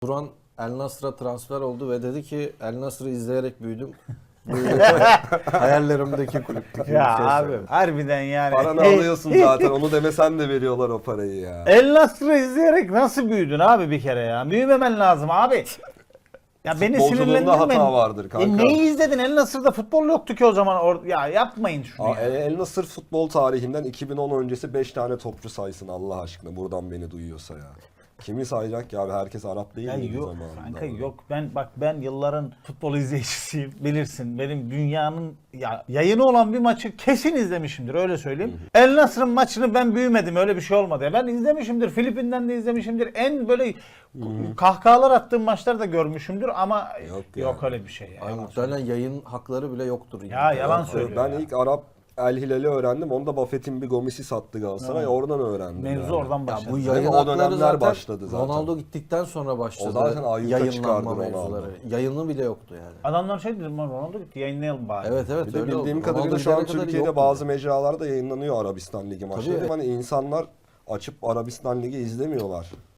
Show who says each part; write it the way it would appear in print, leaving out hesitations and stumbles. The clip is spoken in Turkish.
Speaker 1: Turan El Nasr'a transfer oldu ve dedi ki El Nasr'ı izleyerek büyüdüm. Bu hayallerimdeki kulüptü.
Speaker 2: Ya abi harbiden yani.
Speaker 3: Paranı alıyorsun zaten, onu demesen de veriyorlar o parayı ya.
Speaker 2: El Nasr'ı izleyerek nasıl büyüdün abi bir kere ya? Büyümemen lazım abi. Ya beni
Speaker 3: Futbolculuğunda
Speaker 2: sinirlendirmeyin.
Speaker 3: hata vardır kanka.
Speaker 2: Neyi izledin? El Nasr'da futbol yoktu ki o zaman. Ya yapmayın şunu ya.
Speaker 3: El Nassr futbol tarihinden 2010 öncesi 5 tane topçu saysın Allah aşkına, buradan beni duyuyorsa ya. Kimi sayacak ya abi, herkes Arap değil
Speaker 2: Ya
Speaker 3: miydi
Speaker 2: yok
Speaker 3: zamanında?
Speaker 2: kanka yok, ben yılların futbol izleyicisiyim, bilirsin. Benim dünyanın yayını olan bir maçı kesin izlemişimdir, öyle söyleyeyim. El Nasr'ın maçını ben büyümedim, öyle bir şey olmadı ya. Ben izlemişimdir, Filipin'den de izlemişimdir. En böyle kahkahalar attığım maçları da görmüşümdür ama yok
Speaker 3: yani.
Speaker 2: öyle bir şey ya.
Speaker 1: Ay, muhtemelen yayın hakları bile yoktur.
Speaker 2: Ya yalan söylüyor
Speaker 3: Ben
Speaker 2: ya.
Speaker 3: ilk Arap El Hilal'i öğrendim. Onu da Buffett'in bir Gomez'i sattı Galatasaray. Oradan öğrendim.
Speaker 2: Mevzu
Speaker 3: yani.
Speaker 2: oradan
Speaker 1: Ya
Speaker 2: başladı.
Speaker 1: bu
Speaker 3: Değil
Speaker 1: yayın
Speaker 3: mi? O
Speaker 1: hakları
Speaker 3: dönemler
Speaker 1: zaten
Speaker 3: başladı zaten.
Speaker 1: Ronaldo gittikten sonra başladı.
Speaker 3: O zaten ayyuka çıkardı
Speaker 1: yayınlanma
Speaker 3: Ronaldo.
Speaker 1: mevzuları. Yayını bile yoktu yani.
Speaker 2: Adamlar şey dedi, Ronaldo gitti, yayınlayalım bari.
Speaker 1: Evet
Speaker 3: Bir de
Speaker 1: öyle
Speaker 3: bildiğim
Speaker 1: oldu.
Speaker 3: kadarıyla
Speaker 1: Ronaldo
Speaker 3: şu an
Speaker 1: gidene kadar
Speaker 3: Türkiye'de
Speaker 1: yoktu.
Speaker 3: bazı mecralarda yayınlanıyor Arabistan Ligi maçları.
Speaker 1: Tabii.
Speaker 3: Hani insanlar açıp Arabistan Ligi izlemiyorlar.